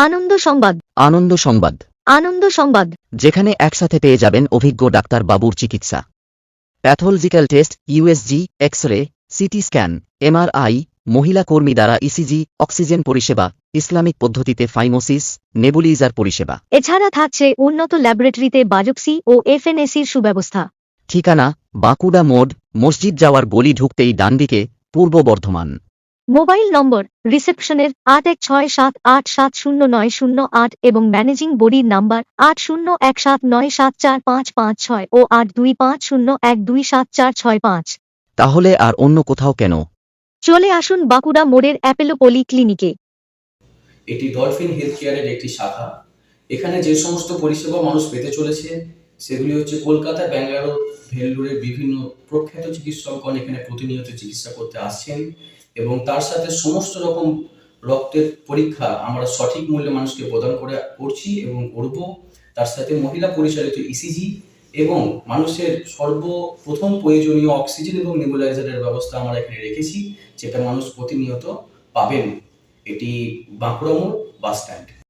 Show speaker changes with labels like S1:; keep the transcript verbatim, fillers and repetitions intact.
S1: আনন্দ সংবাদ।
S2: আনন্দ সংবাদ।
S1: আনন্দ সংবাদ।
S2: যেখানে একসাথে পেয়ে যাবেন অভিজ্ঞ ডাক্তার বাবুর চিকিৎসা, pathological test, USG, X ray, CT scan, MRI, মহিলা কর্মী দ্বারা ইসিজি, অক্সিজেন পরিষেবা, ইসলামিক পদ্ধতিতে ফাইমোসিস, নেবুলিজার পরিষেবা।
S1: এছাড়া থাকছে উন্নত ল্যাবরেটরিতে বায়োপসি ও এফএনএসির সুব্যবস্থা।
S2: ঠিকানা বাঁকুড়া মোড, মসজিদ যাওয়ার গলি ঢুকতেই ডানদিকে, পূর্ব বর্ধমান।
S1: মোবাইল নম্বর রিসেপশনের আট এক ছয় সাত আট সাত শূন্য নয় শূন্য আট এবং ম্যানেজিং বডির নাম্বার আট শূন্য এক সাত নয় সাত চার পাঁচ পাঁচ ছয় ও আট দুই পাঁচ শূন্য এক দুই সাত চার ছয় পাঁচ।
S2: তাহলে আর অন্য কোথাও কেন?
S1: চলে আসুন বাঁকুড়া মোড়ের অ্যাপেলো পলি ক্লিনিকে।
S3: এটি ডলফিন হেলথ কেয়ারের একটি শাখা। এখানে যে সমস্ত পরিষেবা মানুষ পেতে চলেছে সেগুলি হচ্ছে কলকাতা, ব্যাঙ্গালোর, ভেল্লোরের বিভিন্ন প্রখ্যাত চিকিৎসকগণ এখানে প্রতিনিয়ত চিকিৎসা করতে আসছেন এবং তার সাথে সমস্ত রকম রক্তের পরীক্ষা আমরা সঠিক মূল্যে মানুষকে প্রদান করে করছি এবং করব। তার সাথে মহিলা পরিচালিত ইসিজি এবং মানুষের সর্বপ্রথম প্রয়োজনীয় অক্সিজেন এবং নেবুলাইজারের ব্যবস্থা আমরা এখানে রেখেছি, যেটা মানুষ প্রতিনিয়ত পাবেন। এটি বাঁকুড়া মোড় বাস স্ট্যান্ড।